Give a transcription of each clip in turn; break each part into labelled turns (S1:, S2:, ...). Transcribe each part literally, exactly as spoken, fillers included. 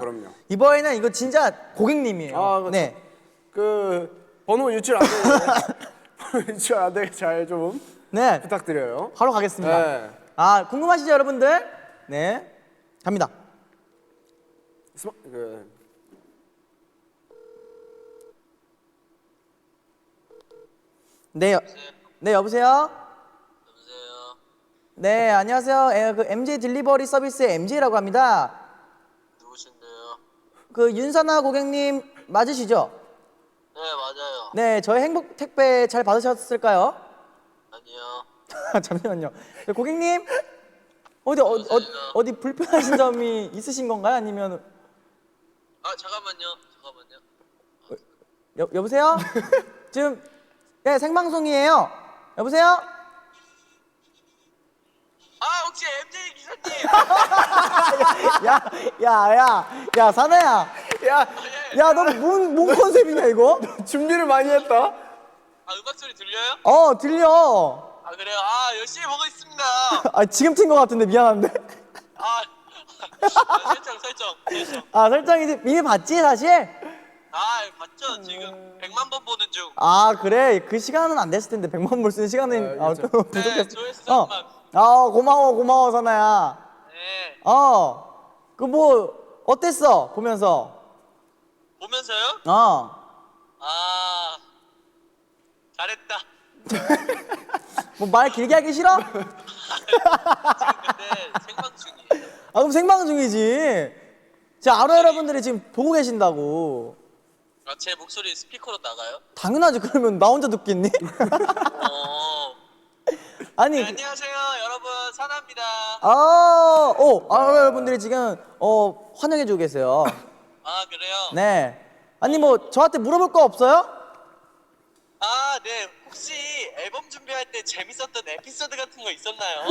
S1: 그럼요.
S2: 이번에는 이거 진짜 고객님이에요.
S1: 아, 그렇죠.
S2: 네.
S1: 그 번호 유출 안 되게 번호 유출 안 되게 잘 좀
S2: 네.
S1: 부탁드려요.
S2: 바로 가겠습니다.
S1: 네.
S2: 아, 궁금하시죠, 여러분들? 네. 갑니다.
S1: 스마, 그
S2: 네. 여, 네, 여보세요?
S3: 여보세요.
S2: 네, 안녕하세요. 에, 그 엠제이 딜리버리 서비스의 엠제이라고 합니다.
S3: 누구신데요?
S2: 그 윤사나 고객님 맞으시죠?
S3: 네, 맞아요.
S2: 네, 저희 행복 택배 잘 받으셨을까요?
S3: 아니요.
S2: 잠시만요. 네, 고객님 어디 어, 어, 어디 불편하신 점이 있으신 건가요? 아니면
S3: 아, 잠깐만요. 잠깐만요.
S2: 여, 여보세요? 지금 네, 생방송이에요. 여보세요?
S3: 아, 혹시 엠제이 기사님?
S2: 야, 야, 야, 야, 사나야.
S1: 야,
S2: 야, 너 뭔 뭔 컨셉이냐 이거?
S1: 준비를 많이 했다.
S3: 아, 음악 소리 들려요?
S2: 어, 들려.
S3: 아, 그래요? 아, 열심히 보고 있습니다.
S2: 아, 지금 튄 거 같은데 미안한데.
S3: 아, 아 설정, 설정, 설정.
S2: 아, 설정 이제 이미 봤지 사실?
S3: 아, 맞죠? 지금 백만 번 보는 중.
S2: 아, 그래. 그 시간은 안 됐을 텐데 백만 볼 수 있는 시간은
S1: 아,
S2: 아,
S1: 그렇죠.
S2: 또
S3: 네,
S2: 부족했어.
S3: 조회수
S2: 어.
S3: 삼만.
S2: 아, 고마워, 고마워, 사나야.
S3: 네.
S2: 어. 그 뭐 어땠어? 보면서.
S3: 보면서요?
S2: 어.
S3: 아, 잘했다.
S2: 뭐 말 길게 하기 싫어?
S3: 지금 근데 생방 중이에요.
S2: 아, 그럼 생방 중이지. 자, 아로 여러분들이 지금 보고 계신다고.
S3: 아, 제 목소리 스피커로 나가요?
S2: 당연하지. 그러면 나 혼자 듣겠니?
S3: 어.
S2: 아니.
S3: 네, 안녕하세요, 여러분. 사나입니다.
S2: 아, 오, 아로 여러분들이 지금 어 환영해주고 계세요.
S3: 아, 그래요?
S2: 네. 아니 뭐 저한테 물어볼 거 없어요?
S3: 아, 네. 혹시 앨범 준비할 때 재밌었던 에피소드 같은 거 있었나요?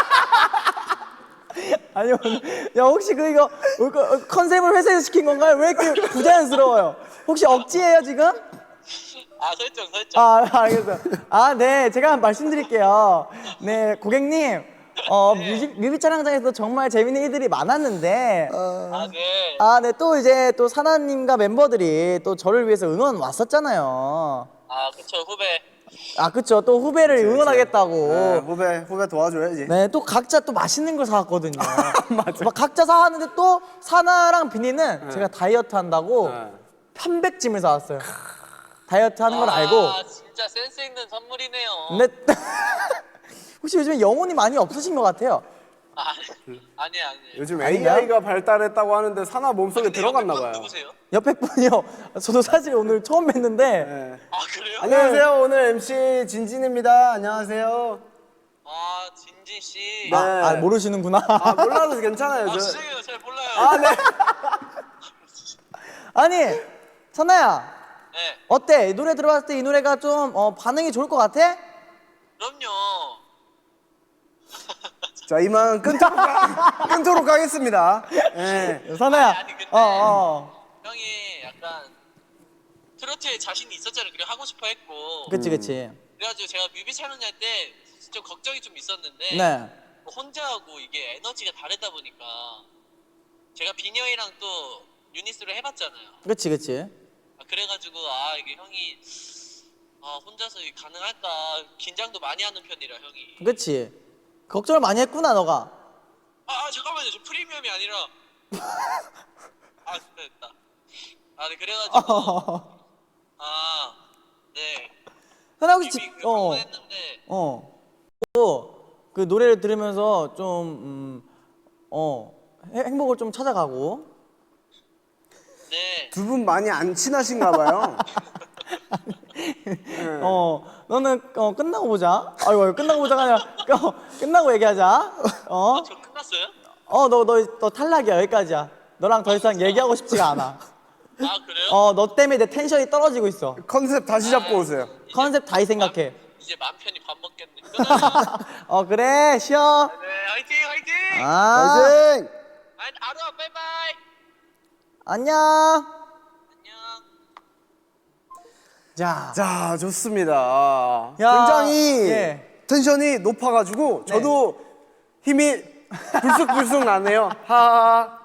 S2: 아니요. 야, 혹시 그 이거 그 컨셉을 회사에서 시킨 건가요? 왜 이렇게 부자연스러워요? 혹시 억지예요 지금?
S3: 아, 설정, 설정.
S2: 아, 알겠어요. 아, 네, 제가 말씀드릴게요. 네, 고객님, 어
S3: 네.
S2: 뮤직 뮤비 촬영장에서 정말 재밌는 일들이 많았는데,
S3: 아, 네.
S2: 아, 네, 또 이제 또 사나님과 멤버들이 또 저를 위해서 응원 왔었잖아요.
S3: 아, 그쵸, 후배.
S2: 아, 그쵸. 또 후배를 응원하겠다고.
S1: 네, 후배 후배 도와줘야지.
S2: 네, 또 각자 또 맛있는 걸 사왔거든요. 맞아. 막 각자 사왔는데 또 사나랑 비니는
S1: 네.
S2: 제가 다이어트 한다고
S1: 네.
S2: 편백찜을 사왔어요. 다이어트 하는 걸
S3: 아,
S2: 알고.
S3: 진짜 센스 있는 선물이네요.
S2: 네. 혹시 요즘에 영혼이 많이 없으신 것 같아요.
S3: 아, 아니에요, 아니에요.
S1: 요즘
S2: 아닌가요?
S1: 에이아이가 발달했다고 하는데 사나 몸속에
S3: 근데
S1: 들어갔나
S3: 옆에 분
S1: 봐요.
S3: 누구세요?
S2: 옆에 분이요. 저도 사실 오늘 처음 뵀는데.
S1: 네.
S3: 아, 그래요?
S1: 안녕하세요. 오늘 엠씨 진진입니다. 안녕하세요.
S3: 아, 진진 씨.
S1: 네.
S2: 아, 아, 모르시는구나.
S1: 아 몰라도 괜찮아요.
S3: 아,
S1: 저...
S3: 죄송해요. 잘 몰라요.
S1: 아 네.
S2: 아니, 선아야.
S3: 네.
S2: 어때? 이 노래 들어봤을 때 이 노래가 좀 어, 반응이 좋을 것 같아?
S3: 그럼요.
S1: 자 이만 끊도록, 가, 끊도록 하겠습니다. 네.
S2: 선아야.
S3: 아니, 아니, 근데-
S2: 어, 어.
S3: 형이 약간 트로트에 자신이 있었잖아요. 그래 하고 싶어 했고.
S2: 그치, 그치.
S3: 그래가지고 제가 뮤비 촬영할 때 좀 걱정이 좀 있었는데
S2: 네.
S3: 혼자 하고 이게 에너지가 다르다 보니까 제가 비니 형이랑 또 유니스로 해봤잖아요.
S2: 그치, 그치.
S3: 아, 그래가지고 아 이게 형이 아 혼자서 이게 가능할까 긴장도 많이 하는 편이라 형이.
S2: 그치. 걱정을 많이 했구나, 너가.
S3: 아, 아 잠깐만요. 저 프리미엄이 아니라 아 됐다 됐다. 아 네 그래가지고 아 네.
S2: 선아 혹시
S3: 뮤비
S2: 집,
S3: 그
S2: 어,
S3: 했는데
S2: 어. 또, 그 노래를 들으면서 좀, 음, 어, 해- 행복을 좀 찾아가고.
S3: 네.
S1: 두 분 많이 안 친하신가 봐요.
S2: 어, 너는 어, 끝나고 보자. 아이고, 아이고, 끝나고 보자가 아니라 어, 끝나고 얘기하자. 어,
S3: 아, 저 끝났어요?
S2: 어, 너, 너, 너 탈락이야. 여기까지야. 너랑 더 이상 얘기하고 싶지가 않아.
S3: 아 그래요?
S2: 어, 너 때문에 내 텐션이 떨어지고 있어.
S1: 컨셉 다시 잡고 오세요.
S2: 컨셉 다시 생각해.
S3: 이제 맘 편히 밥 먹겠네. 끊어요.
S2: 어, 그래, 쉬어.
S3: 네, 화이팅, 화이팅.
S2: 아,
S1: 파이팅!
S3: 아, 아루아, 바이바이.
S2: 안녕.
S3: 안녕.
S2: 자,
S1: 자 좋습니다.
S2: 야,
S1: 굉장히
S2: 예.
S1: 텐션이 높아가지고 저도 힘이 불쑥불쑥 나네요. 하하.